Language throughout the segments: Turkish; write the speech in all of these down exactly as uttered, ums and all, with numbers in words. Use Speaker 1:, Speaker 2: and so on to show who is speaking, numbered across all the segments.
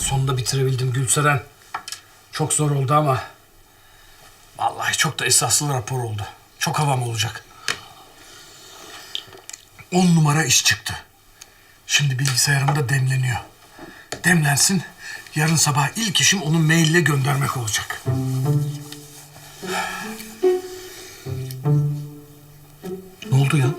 Speaker 1: sonunda bitirebildim Gülseren. Çok zor oldu ama vallahi çok da esaslı rapor oldu. Çok havam olacak. On numara iş çıktı. Şimdi bilgisayarımda demleniyor. Demlensin, yarın sabah ilk işim onu maille göndermek olacak. Ne oldu ya?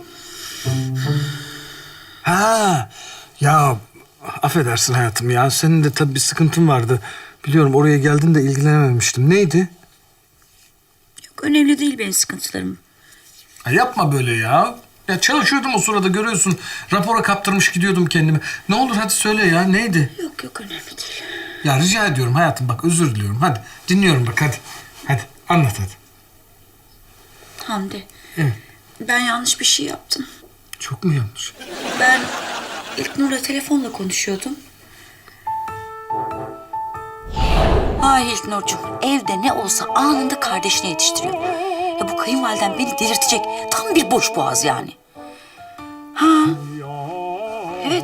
Speaker 1: Ha, ya affedersin hayatım ya. Senin de tabii bir sıkıntın vardı. Biliyorum oraya geldin de ilgilenememiştim. Neydi?
Speaker 2: Yok, önemli değil benim sıkıntılarım.
Speaker 1: Ha, yapma böyle ya. Ya çalışıyordum o sırada, görüyorsun. Rapora kaptırmış gidiyordum kendimi. Ne olur hadi söyle ya, neydi?
Speaker 2: Yok yok, önemli değil.
Speaker 1: Ya rica ediyorum hayatım, bak özür diliyorum. Hadi dinliyorum bak, hadi. Hadi anlat hadi.
Speaker 2: Hamdi.
Speaker 1: Evet.
Speaker 2: Ben yanlış bir şey yaptım.
Speaker 1: Çok mu yanlış?
Speaker 2: Ben İlknur'la telefonla konuşuyordum. Ay İlknur'cum, evde ne olsa anında kardeşine yetiştiriyor. Ya bu kayınvaliden beni delirtecek. Tam bir boş boğaz yani. Ha. Evet.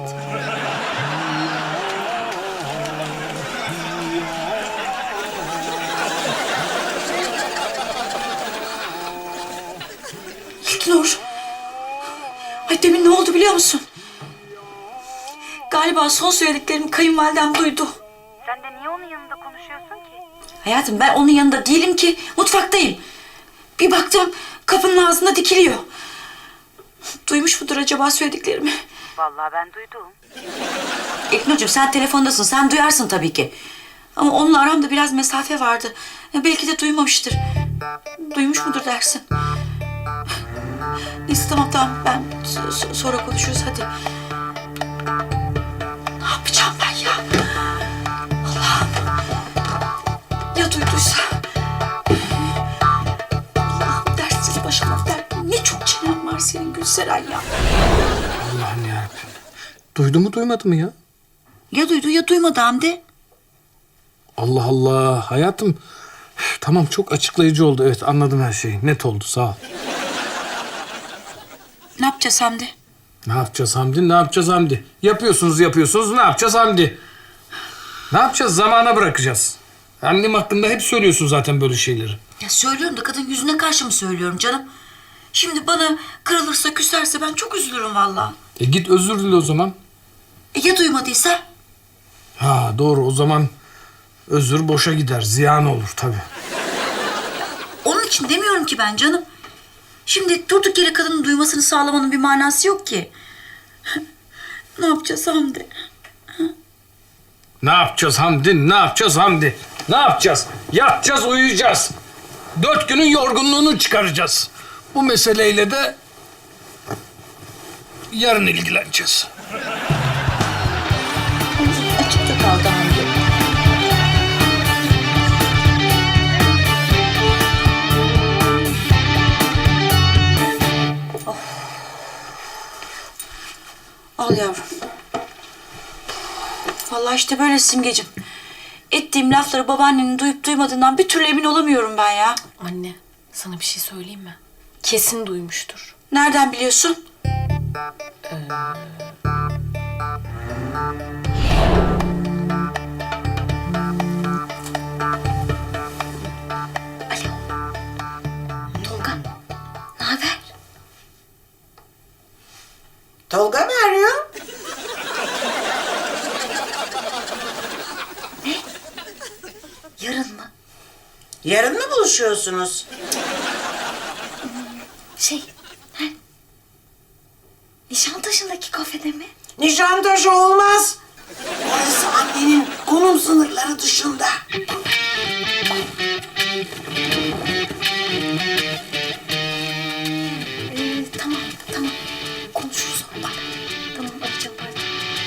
Speaker 2: İlknur. Ay demin ne oldu biliyor musun? Galiba son söylediklerimi kayınvalidem duydu.
Speaker 3: Sen de niye onun yanında konuşuyorsun ki?
Speaker 2: Hayatım ben onun yanında değilim ki. Mutfaktayım. Bir baktım kapının ağzında dikiliyor. Duymuş mudur acaba söylediklerimi?
Speaker 3: Vallahi ben duydum.
Speaker 2: İlknur'cum sen telefondasın. Sen duyarsın tabii ki. Ama onunla aramda biraz mesafe vardı. Belki de duymamıştır. Duymuş mudur dersin? Neyse tamam tamam. Ben so- sonra konuşuruz hadi. Ne yapacağım ben ya? Allah'ım. Ya duyduysa? Allah'ım dertsiz başıma dert. Ne çok çenen var senin Gülseren ya.
Speaker 1: Allah'ım yarabbim. Duydu mu duymadı mı ya?
Speaker 2: Ya duydu ya duymadı Hamdi.
Speaker 1: Allah Allah hayatım. Üf, tamam, çok açıklayıcı oldu. Evet, anladım her şeyi. Net oldu, sağ ol.
Speaker 2: Ne yapacağız Hamdi?
Speaker 1: Ne yapacağız Hamdi? Ne yapacağız Hamdi? Yapıyorsunuz yapıyorsunuz. Ne yapacağız Hamdi? Ne yapacağız? Zamana bırakacağız. Annem hakkında hep söylüyorsun zaten böyle şeyleri.
Speaker 2: Ya söylüyorum da kadın yüzüne karşı mı söylüyorum canım? Şimdi bana kırılırsa küserse ben çok üzülürüm vallahi.
Speaker 1: E git özür dile o zaman.
Speaker 2: E ya duymadıysa?
Speaker 1: Ha doğru, o zaman özür boşa gider. Ziyan olur tabii.
Speaker 2: Onun için demiyorum ki ben canım. Şimdi durduk yere kadının duymasını sağlamanın bir manası yok ki. Ne yapacağız Hamdi?
Speaker 1: Ne yapacağız Hamdi? Ne yapacağız Hamdi? Ne yapacağız? Yatacağız, uyuyacağız. Dört günün yorgunluğunu çıkaracağız. Bu meseleyle de yarın ilgileneceğiz.
Speaker 2: Açıkta kaldı Hamdi. Of. Al yavrum. Vallahi işte böyle Simgeciğim. Ettiğim lafları babaannenin duyup duymadığından bir türlü emin olamıyorum ben ya.
Speaker 4: Anne, sana bir şey söyleyeyim mi? Kesin duymuştur.
Speaker 2: Nereden biliyorsun? Alo. Tolga, ne haber?
Speaker 5: Tolga mı arıyor?
Speaker 2: Yarın mı?
Speaker 5: Yarın mı buluşuyorsunuz?
Speaker 2: Şey, he? Nişantaşı'ndaki kafede mi?
Speaker 5: Nişantaşı olmaz. Orası annenin konum sınırları dışında.
Speaker 2: Ee, tamam, tamam. Konuşuruz sonra. Tamam, arayacağım pardon.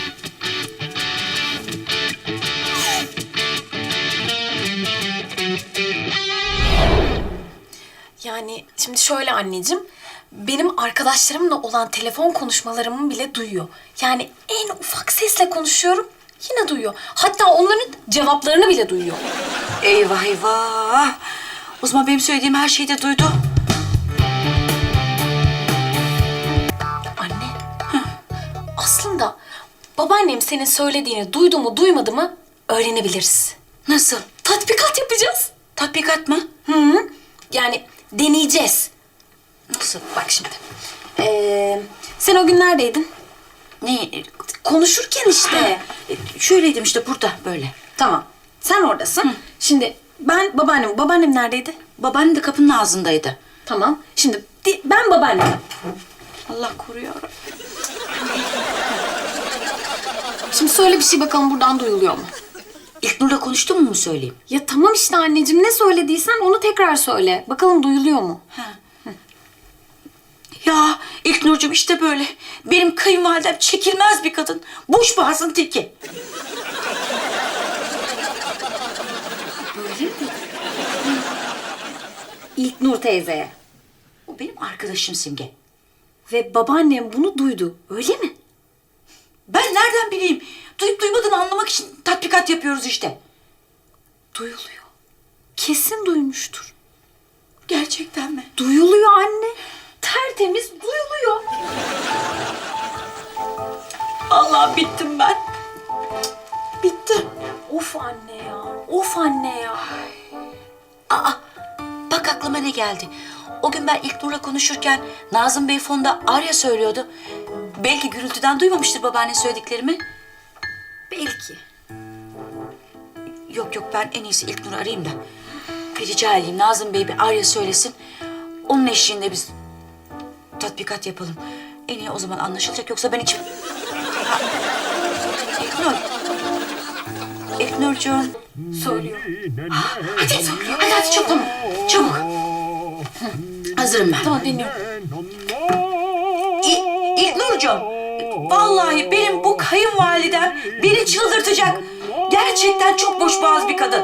Speaker 4: Yani şimdi şöyle anneciğim, benim arkadaşlarımla olan telefon konuşmalarımı bile duyuyor. Yani en ufak sesle konuşuyorum, yine duyuyor. Hatta onların cevaplarını bile duyuyor.
Speaker 2: Eyvah eyvah. O zaman benim söylediğim her şeyi de duydu.
Speaker 4: Anne, aslında babaannem senin söylediğini duydu mu duymadı mı öğrenebiliriz.
Speaker 2: Nasıl?
Speaker 4: Tatbikat yapacağız.
Speaker 2: Tatbikat mı?
Speaker 4: Hı hı. Yani deneyeceğiz.
Speaker 2: Nasıl?
Speaker 4: Bak şimdi. Ee, sen o gün neredeydin?
Speaker 2: Ne?
Speaker 4: Konuşurken işte.
Speaker 2: E, Şöyleydim işte burada böyle.
Speaker 4: Tamam. Sen oradasın. Şimdi ben babaannem. Babaannem neredeydi?
Speaker 2: Babaannem de kapının ağzındaydı.
Speaker 4: Tamam. Şimdi di- ben babaannem.
Speaker 2: Allah koruyor.
Speaker 4: Şimdi söyle bir şey bakalım buradan duyuluyor mu?
Speaker 2: İlknur'la konuştun mu mu söyleyeyim?
Speaker 4: Ya tamam işte anneciğim ne söylediysen onu tekrar söyle. Bakalım duyuluyor mu?
Speaker 2: Ya İlknur'cum işte böyle. Benim kayınvalidem çekilmez bir kadın. Boş boğazın teki.
Speaker 4: Öyle mi? İlknur teyzeye.
Speaker 2: O benim arkadaşım Simge.
Speaker 4: Ve babaannem bunu duydu. Öyle mi?
Speaker 2: Ben nereden bileyim? Duyup duymadığını anlamak için tatbikat yapıyoruz işte.
Speaker 4: Duyuluyor. Kesin duymuştur.
Speaker 2: Gerçekten mi?
Speaker 4: Duyuluyor anne. Tertemiz duyuluyor.
Speaker 2: Allah bittim ben.
Speaker 4: Bitti. Of anne ya. Of anne ya.
Speaker 2: Aa, bak aklıma ne geldi. O gün ben İlknur'la konuşurken Nazım Bey fonda Arya söylüyordu. Belki gürültüden duymamıştır babaanne söylediklerimi.
Speaker 4: Belki.
Speaker 2: Yok yok ben en iyisi İlknur'u arayayım da. Bir rica edeyim Nazım Bey bir Arya söylesin. Onun eşliğinde biz tatbikat yapalım. En iyi o zaman anlaşılacak yoksa ben hiç... Ha, İlknur. İlknurcuğum.
Speaker 4: Söylüyor.
Speaker 2: Hadi hadi hadi çabuk tamam. Çabuk. Hazırım ben.
Speaker 4: Tamam dinliyorum.
Speaker 2: İ- İlknurcuğum. Vallahi benim bu kayınvalidem beni çıldırtacak. Gerçekten çok boşboğaz bir kadın.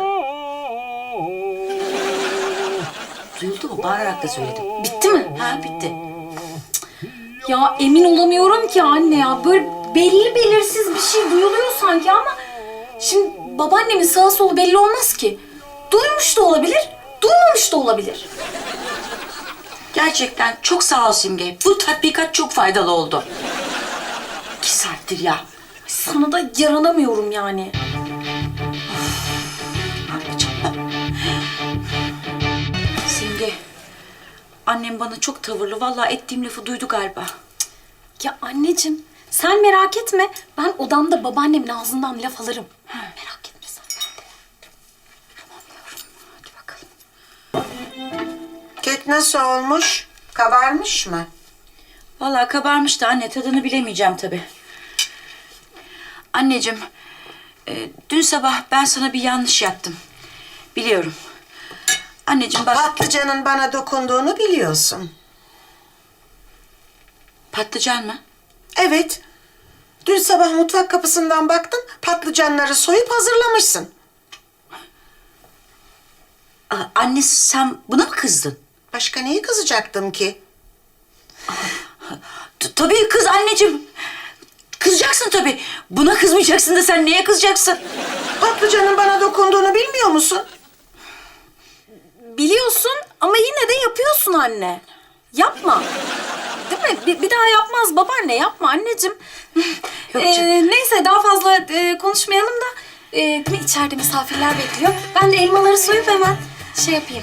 Speaker 2: Duyuldu mu? Bağırarak da söyledim.
Speaker 4: Bitti mi?
Speaker 2: Ha bitti.
Speaker 4: Ya emin olamıyorum ki anne ya. Böyle belli belirsiz bir şey duyuluyor sanki ama... Şimdi babaannemin sağı solu belli olmaz ki. Duymuş da olabilir, duymamış da olabilir.
Speaker 2: Gerçekten çok sağ ol Simge. Bu tatbikat çok faydalı oldu. İki saattir ya.
Speaker 4: Sana da yaranamıyorum yani.
Speaker 2: Ne yapacağım ben? Simge. Annem bana çok tavırlı. Vallahi ettiğim lafı duydu galiba.
Speaker 4: Ya anneciğim sen merak etme. Ben odamda babaannemin ağzından laf alırım. Merak etme sen.
Speaker 2: Tamam yavrum. Hadi bakalım.
Speaker 5: Kek nasıl olmuş? Kabarmış mı?
Speaker 2: Vallahi kabarmış da anne tadını bilemeyeceğim tabii. Anneciğim, e, dün sabah ben sana bir yanlış yaptım. Biliyorum. Anneciğim bak...
Speaker 5: Patlıcanın bana dokunduğunu biliyorsun.
Speaker 2: Patlıcan mı?
Speaker 5: Evet. Dün sabah mutfak kapısından baktım, patlıcanları soyup hazırlamışsın.
Speaker 2: Aa, anne sen buna mı kızdın?
Speaker 5: Başka neye kızacaktım ki?
Speaker 2: T- tabii kız anneciğim. Kızacaksın tabii. Buna kızmayacaksın da sen neye kızacaksın?
Speaker 5: Patlıcanın bana dokunduğunu bilmiyor musun?
Speaker 4: Biliyorsun ama yine de yapıyorsun anne. Yapma. Değil mi? Bir, bir daha yapmaz babaanne. Yapma anneciğim.
Speaker 2: Yok
Speaker 4: Ee,
Speaker 2: canım.
Speaker 4: neyse daha fazla e, konuşmayalım da e, değil mi? İçeride misafirler bekliyor. Ben de elmaları soyup hemen şey yapayım.